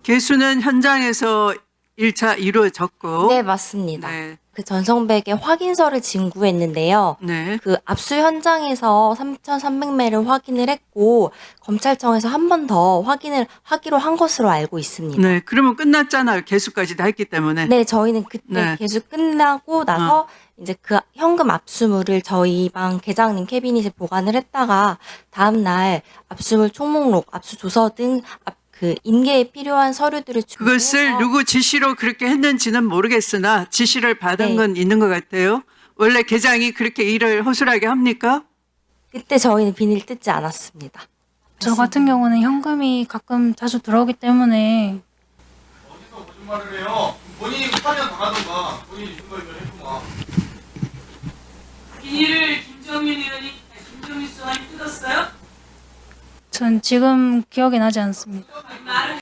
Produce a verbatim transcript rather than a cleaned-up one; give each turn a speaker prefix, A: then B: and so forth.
A: 개수는 현장에서 일 차 이루어졌고.
B: 네, 맞습니다.
A: 네.
B: 그 전성백의 확인서를 진구했는데요.
A: 네.
B: 그 압수 현장에서 삼천삼백 매를 확인을 했고 검찰청에서 한 번 더 확인을 하기로 한 것으로 알고 있습니다.
A: 네. 그러면 끝났잖아요. 개수까지 다 했기 때문에.
B: 네, 저희는 그때
A: 네.
B: 개수 끝나고 나서 이제 그 현금 압수물을 저희 방 계장님 캐비닛에 보관을 했다가 다음 날 압수물 총목록, 압수조서 등 그 인계에 필요한 서류들을
A: 그것을
B: 준비해서
A: 누구 지시로 그렇게 했는지는 모르겠으나 지시를 받은
B: 네.
A: 건 있는 것 같아요. 원래 계장이 그렇게 일을 허술하게 합니까?
B: 그때 저희는 비닐 뜯지 않았습니다.
C: 저 같은 경우는 현금이 가끔 자주 들어오기 때문에
D: 어디서 거짓말을 해요? 본인이 파면 당하던가 본인이 있는 걸 했구만.
E: 비닐을 김정민 의원이 김정민 수석이 뜯었어요?
C: 전 지금 기억이 나지 않습니다.
E: 말을